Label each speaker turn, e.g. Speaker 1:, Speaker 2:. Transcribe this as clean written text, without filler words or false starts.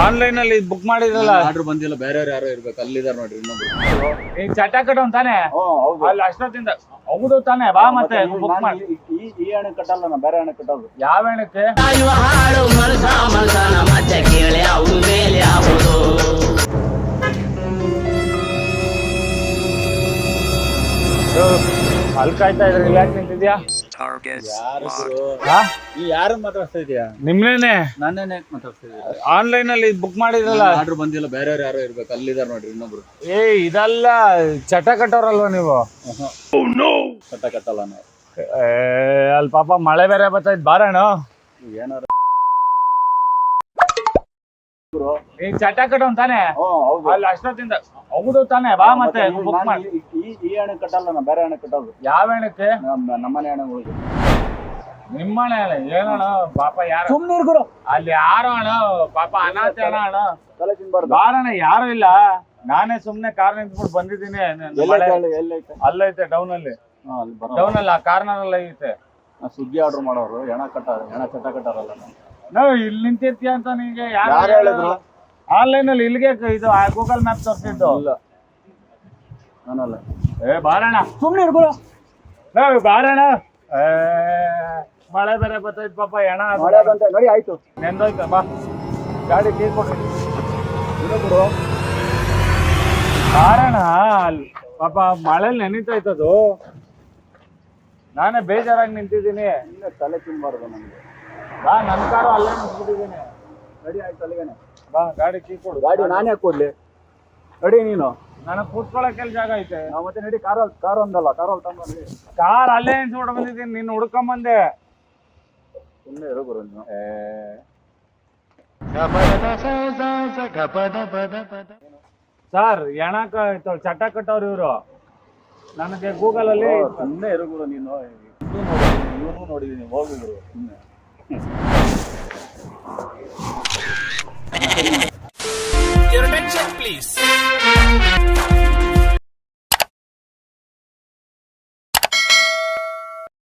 Speaker 1: Online ಅಲ್ಲಿ book ಮಾಡಿದ್ರಲ್ಲ
Speaker 2: order ಬಂದಿಲ್ಲ, ಬೇರೆ ಯಾರೋ ಇರ್ಬೇಕು, ಅಲ್ಲಿದಾರ ನೋಡ್ರಿ ಇನ್ನೊಬ್ರು.
Speaker 1: ಈಗ ಚಟ ಕಟ್ಟೋನ್ ತಾನೆ ಅಲ್ಲಿ ಅಷ್ಟೊತ್ತಿಂದ ಹೌದು ತಾನೆ ಬಾ ಮತ್ತೆ ಬುಕ್ ಮಾಡಿ.
Speaker 2: ಈ ಹಣ ಕಟ್ಟಲ್ಲ, ನಾ ಬೇರೆ ಹಣ ಕಟ್ಟೋದು.
Speaker 1: ಯಾವ ಹೆಣಕ್ಕೆ ಅಲ್ಲಿ ಕಾಯ್ತಾ ಇದ್ರಿ, ಯಾಕೆ ನಿಂತಿದ್ಯಾ?
Speaker 2: ಯಾರು ಗುರು?
Speaker 1: ಹಾ
Speaker 2: ಈ ಯಾರನ್ನ ಮಾತಾಡ್ತಾ ಇದೀಯಾ?
Speaker 1: ನಿಮ್ನೇನೆ
Speaker 2: ನನ್ನೇನೆ ಮಾತಾಡ್ತಾ ಇದೀಯ?
Speaker 1: ಆನ್ಲೈನ್ ಅಲ್ಲಿ ಬುಕ್ ಮಾಡಿದ್ರಲ್ಲ
Speaker 2: ಆರ್ಡರ್ ಬಂದಿಲ್ಲ, ಬೇರೆ ಯಾರೋ ಇರ್ಬೇಕು, ಅಲ್ಲಿದಾರ ನೋಡ್ರಿ ಇನ್ನೊಬ್ರು.
Speaker 1: ಏ ಇದೆಲ್ಲ ಚಟ ಕಟ್ಟೋರಲ್ವಾ ನೀವು?
Speaker 2: ಕಟ್ಟ ಕಟ್ಟಲ್ಲ ನಾವು.
Speaker 1: ಅಲ್ಲಿ ಪಾಪ ಮಳೆ ಬೇರೆ ಬರ್ತೈತ್ ಬಾರಣ.
Speaker 2: ಏನಾರ
Speaker 1: ಈಗ ಚಟ ಕಟ್ಟೋನ್ ತಾನೆ
Speaker 2: ಹೌದು.
Speaker 1: ಅಲ್ಲಿ ಅಷ್ಟೊತ್ತಿಂದ ಹೌದು ತಾನೆ ಬಾ ಮತ್ತೆ ಬುಕ್ ಮಾಡಿ.
Speaker 2: ಈ ಹಣ ಕಟ್ಟಲ್ಲ, ನಾ ಬೇರೆ ಹಣ ಕಟ್ಟೋದು.
Speaker 1: ಯಾವ ಹೆಣಕ್ಕೆ?
Speaker 2: ನಮ್ಮನೆ ಹಣಗಳಿಗೆ.
Speaker 1: ನಿಮ್ಮನೆ ಅಲ್ಲ ಏನಣ್ಣ ಪಾಪ ಯಾರು
Speaker 2: ಸುಮ್ನೆ ಗುರು,
Speaker 1: ಅಲ್ಲಿ ಯಾರು ಅಣ್ಣ ಪಾಪ ಅನಾಥ ಅಣ್ಣ ಅಣ್ಣ
Speaker 2: ತಲೆ ತಿನ್ಬಾರ್ದು.
Speaker 1: ಬಾರಣ್ಣ ಯಾರು ಇಲ್ಲ, ನಾನೇ ಸುಮ್ನೆ ಕಾರ್ ನಿಂತ್ಬಿಟ್ಟು ಬಂದಿದ್ದೀನಿ.
Speaker 2: ಎಲ್ಲೈತೆ?
Speaker 1: ಅಲ್ಲೈತೆ ಡೌನ್ ಅಲ್ಲಿ,
Speaker 2: ಅಲ್ಲಿ ಬರೋ
Speaker 1: ಡೌನ್ ಅಲ್ಲಿ ಆ ಕಾರ್ನರ್ ಅಲ್ಲಿ ಐತೆ.
Speaker 2: ಸುಗ್ಗಿ ಆರ್ಡರ್ ಮಾಡೋರು ಹೆಣ ಚಟ ಕಟ್ಟಾರಲ್ಲ ನಾವು.
Speaker 1: ನಾವು ಇಲ್ಲಿ ನಿಂತಿರ್ತೀಯ ಅಂತ ನಿಂಗೆ
Speaker 2: ಯಾರು
Speaker 1: ಯಾರು
Speaker 2: ಹೇಳಿದ್ರು?
Speaker 1: ಆನ್ಲೈನ್ ಅಲ್ಲಿ ಇಲ್ಲಿಗೆ ಇದು ಗೂಗಲ್ ಮ್ಯಾಪ್ ತೋರಿಸಿದ್ದು.
Speaker 2: ಇಲ್ಲ ನಾನಲ್ಲ.
Speaker 1: ಬಾರಣ್ಣ
Speaker 2: ಸುಮ್ನೆ ಗುರು,
Speaker 1: ನಾವು ಬಾರಣ್ಣ. ಮಳೆ ಬೇರೆ ಬರ್ತೈತ್ ಪಾಪ ಹೆಣ
Speaker 2: ಮಳೆ ಬಂತ ನೋಡಿ, ಆಯ್ತು
Speaker 1: ನೆಂದೋಯ್ತ. ಬಾ ಗಾಡಿ ಕೀ ಕೊಡ್ರಿ.
Speaker 2: ಗುರು.
Speaker 1: ಬಾರಣ್ಣ ಅಲ್ಲಿ ಪಾಪ ಮಳೆಲಿ ನೆನೀತೈತದು, ನಾನೇ ಬೇಜಾರಾಗಿ ನಿಂತಿದ್ದೀನಿ.
Speaker 2: ಇನ್ನ ತಲೆ ತಿನ್ಬಾರ್ದು ನಮ್ಗೆ.
Speaker 1: ಬಾ ನನ್ನ ಕಾರು ಅಲ್ಲೇ ನಿಂತ್ಬಿಟ್ಟಿದ್ದೀನಿ.
Speaker 2: ರೆಡಿ ಆಯ್ತು ಅಲ್ಲಿಗೇನೆ.
Speaker 1: ಬಾ ಗಾಡಿ ಕೀ ಕೊಡು.
Speaker 2: ಗಾಡಿ ನಾನೇ ಕೊಡ್ಲಿ? ರೆಡಿ ನೀನು?
Speaker 1: ನನಗೆ ಕೂತ್ಕೊಳ್ಳೋಕೆಲ್ಲ ಜಾಗ ಐತೆ.
Speaker 2: ನಾವು ಮತ್ತೆ ನಡಿ, ಕಾರ್ ಒಂದಲ್ಲ, ಕಾರಲ್ಲಿ ತಗೊಂಡ್ಬಂದ್ರಿ.
Speaker 1: ಕಾರ್ ಅಲ್ಲೇ ನಿಂತ್ಬಿಟ್ಟು ಬಂದಿದ್ದೀನಿ, ನೀನು ಹುಡ್ಕೊಂಬಂದೆ.
Speaker 2: ಸುಮ್ಮನೆ ಇರೋ ಗುರು ನೀನು.
Speaker 1: ಸರ್ ಹೆಣಕ ಚಟ ಕಟ್ಟೋರು ಇವರು. ನನಗೆ ಗೂಗಲ್ ಅಲ್ಲಿ
Speaker 2: ಸುಮ್ಮನೆ ಇರೋ ಗುರು ನೀನು. ಇವನು ನೋಡಿದೀನಿ, ಹೋಗಿ ಗುರು ಸುಮ್ಮನೆ.